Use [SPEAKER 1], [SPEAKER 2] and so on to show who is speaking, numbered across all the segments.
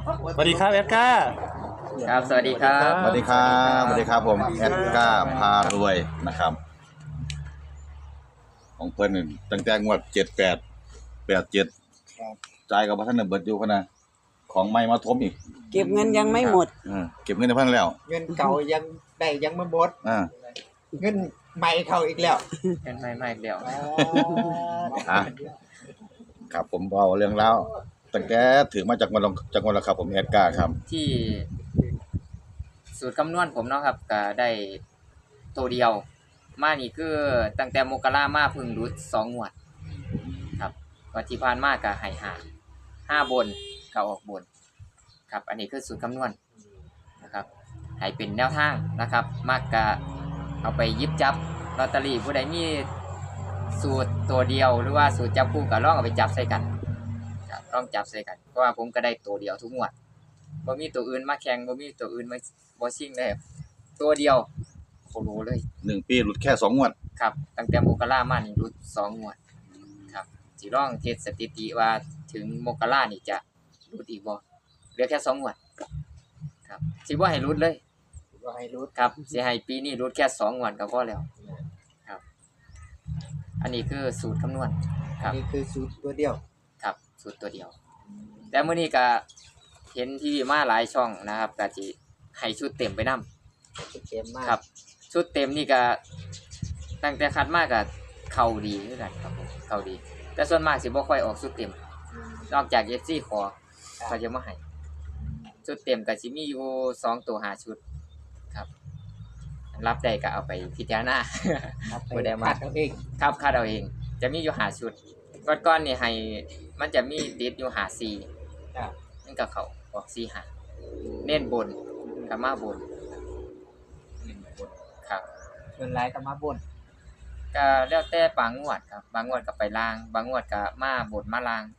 [SPEAKER 1] สวัสดีครับแอดก้า
[SPEAKER 2] ครับสวัสดีครับ
[SPEAKER 3] สวัสดีครับสวัสดีครับผมแอดก้าพารวยนะครับของเพิ่นนี่ตั้งแต่งวด78 87จ่ายกับพระท่านน่ะเบิดอยู่พะนะของใหม่มาทบอีก
[SPEAKER 4] เก็บเงินยังไม่หมด
[SPEAKER 3] เก็บเงินในพันแล้ว
[SPEAKER 5] เงินเก่ายังได้ยังไม่หมด
[SPEAKER 3] อ่า
[SPEAKER 5] เงินใหม่เข้าอีกแล้ว
[SPEAKER 2] เป็นไม่เดียว
[SPEAKER 3] อ่ะครับผมเอาเรื่องแล้วตั้งแต่ถือมาจากวันละครับผมแอดก้าครับ
[SPEAKER 2] ที่สูตรคำนวณผมเนาะครับก็ได้ตัวเดียวมานี่คือตั้งแต่มกรามาเพึ่งรุด2งวดครับวันที่ผ่านมาก็ให้5บนก็ออกบนครับอันนี้คือสูตรคำนวณนะครับให้เป็นแนวทางนะครับมากก็เอาไปหยิบจับลอตเตอรี่ผู้ใดมีสูตรตัวเดียวหรือว่าสูตรจับคู่ก็ลองเอาไปจับใส่กันครับลองจับใส่กันเพราะว่าผมก็ได้ตัวเดียวทุกงวดบ่มีตัวอื่นมาแข่งบ่มีตัวอื่นมาบ่ชิงเลยตัวเดียวโคโลเลย
[SPEAKER 3] 1 ปีหลุดแค่2งวด
[SPEAKER 2] ครับตั้งแต่มกรามานี่รุด2งวดครับสิลองเทสสถิติว่าถึงมกรานี่จะรุดอีกบ่เหลือแค่2งวดครับสิบ่ให้รุดเลย
[SPEAKER 5] ก็ให้รู้
[SPEAKER 2] ครับสิให้ปีนี้รุดแค่2งวดก็พอแล้วครับอันนี้คือสูตรคำนวณครับ
[SPEAKER 5] นี่คือสูตรตัวเดียว
[SPEAKER 2] ครับสูตรตัวเดียวแต่มื้อนี้ก็เห็นทีวีมาหลายช่องนะครับก็สิให้ชุดเต็มไปนำ
[SPEAKER 5] ชุดเต็มมาก
[SPEAKER 2] ครับชุดเต็มนี่ก็ตั้งแต่คัดมาก็เข้าดีคือกันครับผมเข้าดี แต่ส่วนมากสิบ่ค่อยออกชุดเต็มนอกจาก FC ขอเขาจะมาให้ชุดเต็มก็สิมีอยู่2ตัว5ชุดครับรับได้ก็เอาไปพิจารณา
[SPEAKER 5] ครับไป
[SPEAKER 2] บ่ได้มา
[SPEAKER 5] คัดเอาเอง
[SPEAKER 2] ครับคาดเอาเองจะมีอยู่5ชุดก่อนๆนี่ให้มันจะมีติดอยู่5 4
[SPEAKER 5] ครับ
[SPEAKER 2] มันก็เข้าออก4 5เน้นบนก็มาบนครับ
[SPEAKER 5] ส่วนหลายก็มาบน
[SPEAKER 2] ก็แล้วแต่บางงวดครับบางงวดก็ไปล่างบางงวดก็มาบนมาล่าง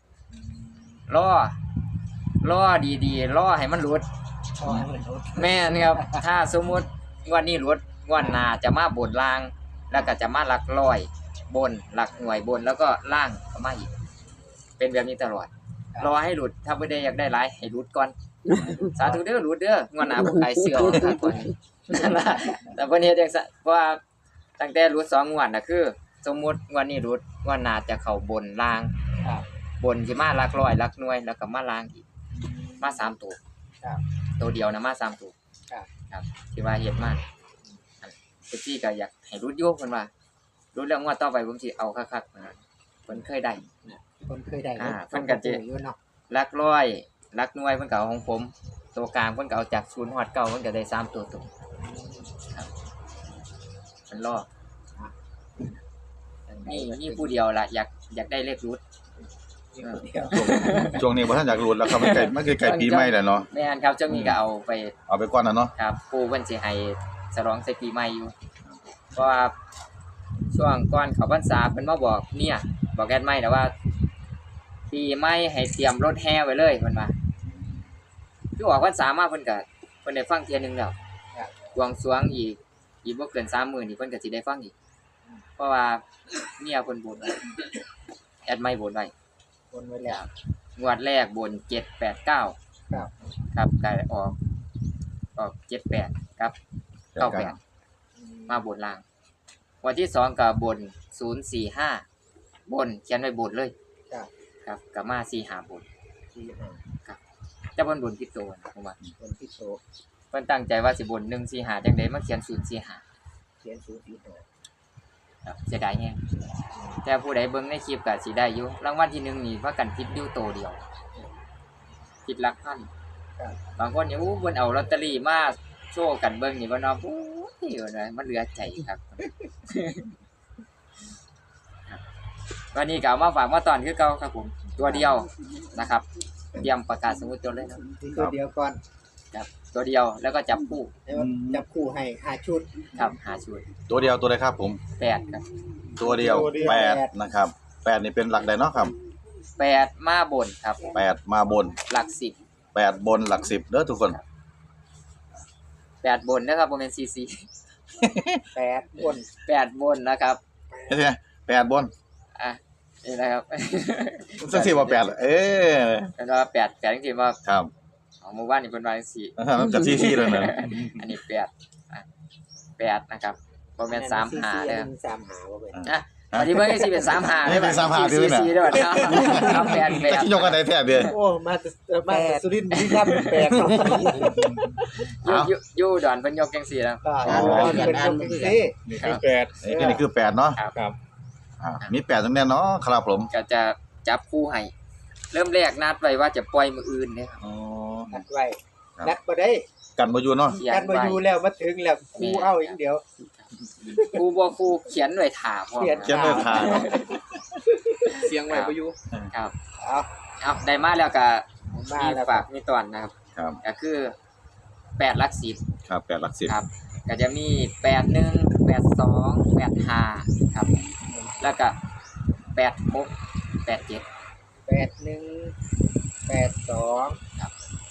[SPEAKER 2] รอดีๆรอให้มันหลุด
[SPEAKER 5] พอให้มันรู้
[SPEAKER 2] แม่นครับถ้าสมมุติงวดนี้หลุดงวดหน้าจะมาบนล่าง แล้วก็จะมาหลักร้อยบนหลักหน่วยบนแล้วก็ล่างก็มาอีกเป็นแบบนี้ตลอดรอให้หลุดถ้าบ่ได้อยากได้หลายให้หลุดก่อนสาธุเด้อหลุดเด้องวดหน้าบ่ขายเสื้อครับก่อนนั่นล่ะแต่เพิ่นเฮ็ดจังซั่นเพราะว่าตั้งแต่หลุด2งวดน่ะคือ สมมุติงวดนี้หลุดงวดหน้าจะเข้าบนล่าง
[SPEAKER 5] ครับ
[SPEAKER 2] บนสิมาหลักร้อยหลักหน่วยแล้วก็มาล่างอีกมา3ตัว
[SPEAKER 5] ครับ
[SPEAKER 2] ตัวเดียวนะมา3ตัว
[SPEAKER 5] ครับ
[SPEAKER 2] ครับที่ว่าเฮ็ดมาพี่ก็อยากให้รุดโยกเพิ่นว่ารุดแล้วงวดต่อไปผมสิเอาคักๆนะเพิ่นเคยได้
[SPEAKER 5] คนเคยได้
[SPEAKER 2] เพิ่นก็จะ
[SPEAKER 5] อยู่เนาะ
[SPEAKER 2] หลักร้อยหลักหน่วยเพิ่นก็เอาของผมตัวกลางเพิ่นก็เอาจาก0ฮอด9เพิ่นก็ได้3ตัวตรงครับเพิ่นรอนี่ผู้เดียวล่ะอยากได้เลขรุด
[SPEAKER 5] มีคนเดียว
[SPEAKER 3] ช่วงนี้บ่ทันอยากหลุดแล้วครับมันใกล้ปีใหม่แล้วเนาะ
[SPEAKER 2] แม่นครับเจ้ามีก็เอาไป
[SPEAKER 3] เอาไปก่อนนะเนาะ
[SPEAKER 2] ครับปู่เพิ่นสิให้ฉลองใส่ปีใหม่อยู่เพราะว่าช่วงก่อนเข้าพรรษาเพิ่นมาบอกเนี่ยบอกแอดไม่แต่ว่า ปีใหม่ให้เตรียมรถแห่ไว้เลยเพิ่นว่าคือออกพรรษามาเพิ่นก็เพิ่นได้ฟังเที่ยหนึงแล้วบวงสรวงอีกบ่เกิน3มื้อนี่เพิ่นก็สิได้ฟังอีกเพราะว่าเมียเพิ่นบนไว้แอดไม่บนไว้
[SPEAKER 5] คนไว้แล้ว
[SPEAKER 2] งวดแรกบน789
[SPEAKER 5] ครับ
[SPEAKER 2] ครับก็ออก78ครับ98มาบนล่าง วันที่2ก็บน045บนเขียนไว้บนเลย
[SPEAKER 5] ครับ
[SPEAKER 2] ครับก็มา45บน
[SPEAKER 5] ที่ห้า
[SPEAKER 2] แต่บนผิดตัวนะผมว่า
[SPEAKER 5] คนที่โต
[SPEAKER 2] เพิ่นตั้งใจว่าสิบน145จังได๋มาเขียน045
[SPEAKER 5] เขียนสูตรที่ห้า
[SPEAKER 2] ครับเสียดายแฮงแต่ผู้ใดเบิ่งในคลิปก็สิได้อยู่รางวัลที่1นี่ว่ากันผิดอยู่ตัวเดียวผิดหลักพัน
[SPEAKER 5] ครับ
[SPEAKER 2] บางคนนี่อู้เพิ่นเอาลอตเตอรี่มาโชว์กันเบิ่งนี่บ่เนาะโอ้ยมันเหลือใจครับ วันนี้ก็เอามาฝากมาตอนคือเก่าครับผมตัวเดียวนะครับเตรียมประกาศสมมุติจดเลยนะ
[SPEAKER 5] ที่ตัวเดียวก่อน
[SPEAKER 2] ครับตัวเดียวแล้วก็จับคู่
[SPEAKER 5] แล้วจับคู่ให้5ชุด
[SPEAKER 2] ครับหาชุด
[SPEAKER 3] ตัวเดียวตัวใดครับผม
[SPEAKER 2] 8ครับ
[SPEAKER 3] ตัวเดียว8นะครับ8นี่เป็นหลักใดเนาะครับ
[SPEAKER 2] 8มาบนครับ
[SPEAKER 3] 8มาบน
[SPEAKER 2] หลัก
[SPEAKER 3] 8บนหลัก10เด้อทุกคน
[SPEAKER 2] 10 8บนนะครับบ่แม่นซีซี
[SPEAKER 5] 8บน
[SPEAKER 2] 8บนนะครับ
[SPEAKER 3] เฮ็ดไง8บน
[SPEAKER 2] อ่ะนี่นะครับ
[SPEAKER 3] จังซี่ว่า8เอ้
[SPEAKER 2] เป็นว่า8จริงๆว่า
[SPEAKER 3] ครับ
[SPEAKER 2] เมื่อวานนี่เพิ่นว่าจังซี่
[SPEAKER 3] มันก็ซี่ๆแล้วนะ
[SPEAKER 2] อันนี้8อ่ะ8นะครับบ่แม่น35เด้อ
[SPEAKER 5] สามหาบ่เป็น
[SPEAKER 2] นะวันนี้เบิ่งสิเป็น35
[SPEAKER 3] นี่เป็น35ด้วยนะ
[SPEAKER 2] 4ด้วยครับ8
[SPEAKER 3] แต่ที่ยกกันได้แท้เด้อ
[SPEAKER 5] โอ้มาแต่สุรินทร์บุรีรัมย์เป็นแปดเนาะ
[SPEAKER 2] อยู่ดอนเพิ่นยกจังซี่แล้ว
[SPEAKER 5] เป็นคนเป็นสิ
[SPEAKER 1] นี่คือแปด
[SPEAKER 3] นี่คือ8เนาะ
[SPEAKER 1] ครับ
[SPEAKER 3] มี8ตรงนี้เนาะครับผม
[SPEAKER 2] ก็จะจับคู่ให้เริ่มแรกนัดไว้ว่าจะปล่อยมื้ออื่นเด้อครับ
[SPEAKER 3] อ๋อ
[SPEAKER 5] นัดไว้นัดบ่ได้
[SPEAKER 3] กันบ่อยู่เนาะ
[SPEAKER 2] เขียน
[SPEAKER 5] กันบ่
[SPEAKER 2] ไว้
[SPEAKER 5] อยู่แล้วมาถึงแล้วครูเอาอย่างเดียว
[SPEAKER 2] ครูบ่ครูเขียนไว้ถามพร้อม
[SPEAKER 5] เขียน
[SPEAKER 3] เขียนไว้ทาง
[SPEAKER 1] เสียงไว้บ่อยู่
[SPEAKER 2] ครับ
[SPEAKER 5] เอา
[SPEAKER 2] เอาได้มาแล้วก็
[SPEAKER 5] มา
[SPEAKER 2] มี
[SPEAKER 5] แล้ว
[SPEAKER 2] ฝากมีตอนนะครับ
[SPEAKER 3] ครับ
[SPEAKER 2] ก็คือ8หลัก10
[SPEAKER 3] ครับ8หลัก10
[SPEAKER 2] ครับก็จะมี81 82 85ครับแล้วก็86 87
[SPEAKER 5] 81 82
[SPEAKER 2] ครับ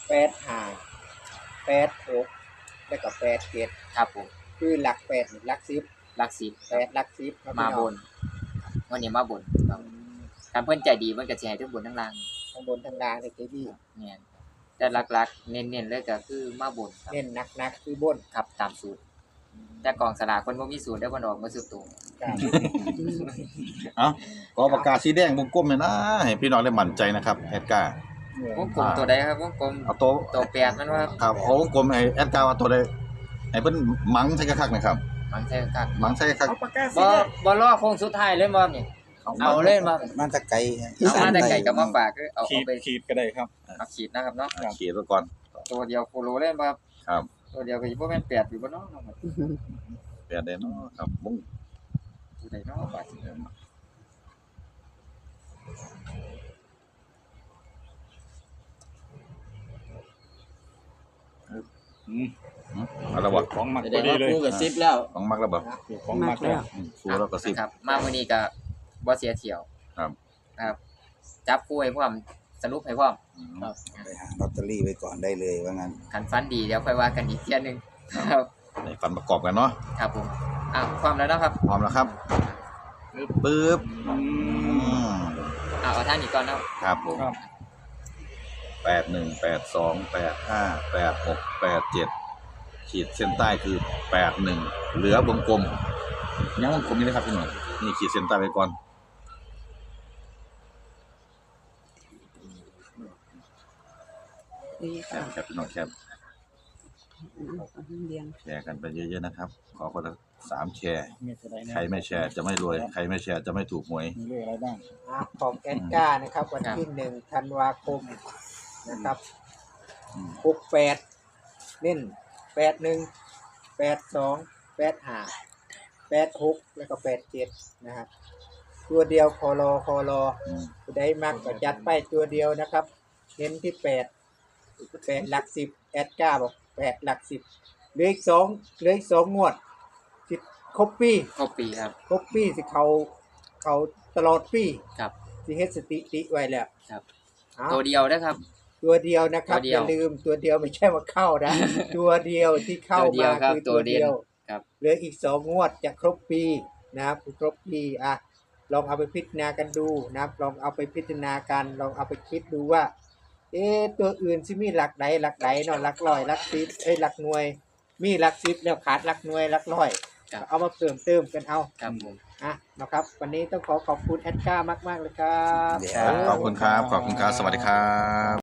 [SPEAKER 5] 85 86แล้วก็87
[SPEAKER 2] ครับผม
[SPEAKER 5] คือหลัก8หลัก10
[SPEAKER 2] หลัก10
[SPEAKER 5] 8หลัก10ครับ
[SPEAKER 2] มา
[SPEAKER 5] พี่
[SPEAKER 2] บ
[SPEAKER 5] น้อง
[SPEAKER 2] นวันนี้มาบนครับการเพิ่นใจดีมันก็สิให้ทั้งบนทั้งล่าง
[SPEAKER 5] ข้างบนทางล่างนี่คือพี่
[SPEAKER 2] เนี่ยแต่หลักๆเน้นๆเลยก็คือมาบนครับ
[SPEAKER 5] เน้นหนักๆคือบน
[SPEAKER 2] ครับตามสูตรแต่กองสลากเพิ่นบ่มีสูตรได้เพิ่นออกมาสุดตัว
[SPEAKER 5] ครับ
[SPEAKER 3] เอ้าขอปากกาสีแดงวงกลมหน่อยนะให้พี่น้องได้มั่นใจนะครับแอดการ์
[SPEAKER 2] วงกลมตัวใดครับวงกลม
[SPEAKER 3] เอาตัว
[SPEAKER 2] ตัว8มันว่า
[SPEAKER 3] ครับเอาวงกลมให้แอดการ์ว่าตัวใดให้เพิ่นมังใส่คักๆนะครับ
[SPEAKER 2] มันใช่คัก
[SPEAKER 3] มังใส่คัก
[SPEAKER 5] เอาปากกา
[SPEAKER 2] บ่บ่รอโค้งสุดท้ายเลยบ่นี่เอาเลยบ่
[SPEAKER 4] มันจะไกล
[SPEAKER 2] เอามาแต่ไก่กับมาฝากคือเอา
[SPEAKER 1] ขีด
[SPEAKER 2] ไป
[SPEAKER 1] ขีดก็ได้ครับ
[SPEAKER 2] เอาขีดนะครับเนาะ
[SPEAKER 3] เขียนไว้ก่อน
[SPEAKER 2] ตัวเดียวโคโลเล่นบ่ครับ
[SPEAKER 3] ครับ
[SPEAKER 2] ตัวเดียวก็สิบ่แม่น8อยู่บ่เนาะ
[SPEAKER 3] แปดได้เนาะครับวง
[SPEAKER 2] ตัวใดเนาะบาดนี้
[SPEAKER 3] เอาละบ่
[SPEAKER 1] ของหมัก
[SPEAKER 4] แส
[SPEAKER 1] พ
[SPEAKER 4] ด
[SPEAKER 1] อง ดี
[SPEAKER 4] ว่า
[SPEAKER 1] เลย
[SPEAKER 4] คู่กับซิปแล้ว
[SPEAKER 3] ของมักแล้วบ่
[SPEAKER 1] ของหมักแล้ว
[SPEAKER 3] ครูแล้วก็10
[SPEAKER 2] ครับมามื้อนี้ก็บ่เสียเที่ยว
[SPEAKER 3] ครับ
[SPEAKER 2] ครับ จับคู่ให้พร้อมสรุปให้พร้อม
[SPEAKER 3] ครับ
[SPEAKER 4] ไปหาลอตเตอรี่ไว้ก่อนได้เลยว่างั้น
[SPEAKER 2] คันฟันดีเดี๋ยวค่อยว่ากันอีกเที่ยหนึงครับ
[SPEAKER 3] ในฟันประกอบกันเนาะ
[SPEAKER 2] ครับผมพร้อมแล้วเนาะครับ
[SPEAKER 3] พร้อมแล้วครับปึ๊บ
[SPEAKER 1] อืม
[SPEAKER 2] เอาท่านนี้ก่อนเนาะ
[SPEAKER 3] ครับผม
[SPEAKER 1] ครับ
[SPEAKER 3] 81 82 85 86 87ขีดเส้นใต้คือ81เหลือวงกลมยังวงกลมนี่นะครับพี่หน่อยนี่ขีดเส้นใต้ไว้ก่อน
[SPEAKER 6] ดี
[SPEAKER 3] แค
[SPEAKER 6] ค่ะ
[SPEAKER 3] ปครับพี่น้องแคป
[SPEAKER 6] เรียง
[SPEAKER 3] แชร์กันไปเยอะๆนะครับ ขอคนละ3แชร์
[SPEAKER 1] มีอะไรนะ
[SPEAKER 3] ใครไม่แชร์จะไม่รวย ใครไม่แชร์จะไม่ถูกหวย
[SPEAKER 1] มีเลขอะไรบ้าง
[SPEAKER 5] ของแอนก้านะครับวันที่1ธันวาคมนะครับ
[SPEAKER 3] อืม
[SPEAKER 5] 68เน้น81 82 85 86แล้วก็87นะครับตัวเดียวคอรอ
[SPEAKER 3] อืม
[SPEAKER 5] ผู้ใดมักก็จัดไปตัวเดียวนะครับ เน้นที่8หลัก10แอดก้าบอก8หลัก10เหลืออีก2งวดสิครบปี
[SPEAKER 2] ครบปีครับ
[SPEAKER 5] ครบปีสิเขาตลอดปี
[SPEAKER 2] ครับ
[SPEAKER 5] สิเฮ็ดสถิติไว้แล้ว
[SPEAKER 2] ครับ
[SPEAKER 5] เอา
[SPEAKER 2] ตัวเดียวนะครับ
[SPEAKER 5] ตัวเดียวนะครับ
[SPEAKER 2] ตัวเดี
[SPEAKER 5] อ
[SPEAKER 2] ยว
[SPEAKER 5] ย่าลืมตัวเดียวไม่ใช่ว่าเข้านะ ตัวเดียวที่เข้า
[SPEAKER 2] ตัวเดีย
[SPEAKER 5] มาว
[SPEAKER 2] ครับ
[SPEAKER 5] คือ
[SPEAKER 2] ตั
[SPEAKER 5] ตัว ว
[SPEAKER 2] เดีย
[SPEAKER 5] เดียว ว
[SPEAKER 2] ครับ
[SPEAKER 5] เหลืออีก2งวดจะครบปีนะครับครบปีลองเอาไปพิจารณากันดูนะครับลองเอาไปพิจารณากันลองเอาไปคิดดูว่า ตัวอื่นสิมีหลักใดเนาะหลักร้อยหลักสิบหลักหน่วย มีหลักสิบแล้วขาดหลักหน่วยหลักร้อย
[SPEAKER 2] ครับ
[SPEAKER 5] เอามาเพิ่มเติมกันเอา
[SPEAKER 2] ครับผม
[SPEAKER 5] นะครับ วันนี้ต้องขอบคุณแอดก้ามากๆเลยครับ
[SPEAKER 4] เดี๋ยว
[SPEAKER 3] ขอบคุณครับ ขอบคุณครับ สวัสดีครับ